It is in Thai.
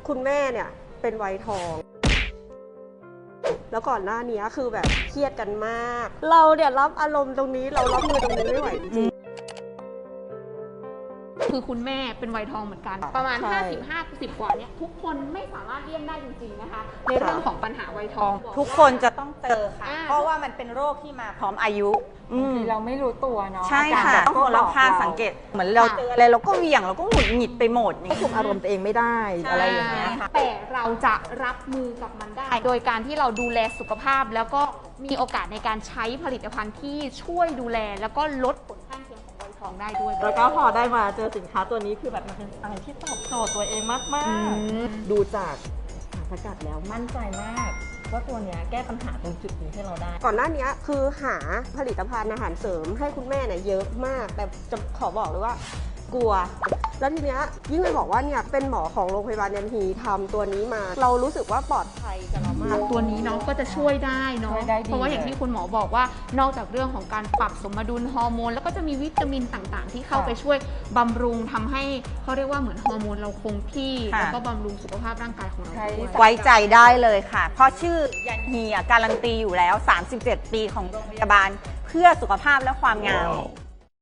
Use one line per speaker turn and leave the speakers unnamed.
คุณแม่เนี่ยเป็นวัยทอง แล้วก่อนหน้านี้คือแบบเครียดกันมาก เราเนี่ยรับอารมณ์ตรงนี้เรารับมือตรงนี้ไม่ไหวจริง
คือคุณแม่เป็นวัยทองเหมือนกันประมาณ
ใช่
50 กว่าเนี่ยทุกคนไม่สามารถเลี่ยงได้จริงๆนะคะในเรื่องของปัญหาวัยทอง
ทุกคนจะต้องเจอค่ะ
อ่า
เพราะว่ามันเป็นโรคที่มาพร้อมอายุ
คือเราไม่รู้ตัวเนาะ
ใช่
อา
ค่ะ
การ
ต้องคนรอบข้างสังเกต เหมือนเราเจออะไรเราก็เหวี่ยงเราก็หงุดหงิดไปหมดอย่าง
ควบคุ
เงี้
ม
ย
อารมณ์ตัวเองไม่ได้อะไรอย่างเงี้ย
แต่เราจะรับมือกับมันได้ โดยการที่เราดูแลสุขภาพแล้วก็มีโอกาสในการใช้ผลิตภัณฑ์ที่ช่วยดูแลแล้วก็ลดผลข้างเคียงของวัยทองได้ด้วย
แล้วก็พอได้มาเจอสินค้าตัวนี้คือแบบมันเป็นอะไรที่ตอบโจทย์ตัวเองมากๆ ดูจากสารสกัดแล้วมั่นใจมากว่าตัวเนี้ยแก้ปัญหาตรงจุดนี้ให้เราได้
ก่อนหน้านี้คือหาผลิตภัณฑ์อาหารเสริมให้คุณแม่เนี่ยเยอะมาก แต่จะขอบอกเลยว่ากลัว แล้วทีเนี้ยยิ่งไปบอกว่าเนี่ยเป็นหมอของโรงพยาบาลยันฮีทำตัวนี้มา เรารู้สึกว่าปลอดภัยกับเรามาก
ตัวนี้เนาะก็จะช่วยได้เนาะ
ช่วยได้ดี
เพราะว่าอย่างที่คุณหมอบอกว่านอกจากเรื่องของการปรับสมดุลฮอร์โมนแล้วก็จะมีวิตามินต่างๆ ที่เข้าไปช่วยบำรุงทำให้เขาเรียกว่าเหมือนฮอร์โมนเราคงที่
ค่ะ
แล้วก็บำรุงสุขภาพร่างกายของเราด้วย
ไว้ใจได้เลยค่ะ เพราะชื่อยันฮีการันตีอยู่แล้ว 37 ปีของโรงพยาบาลเพื่อสุขภาพและความงาม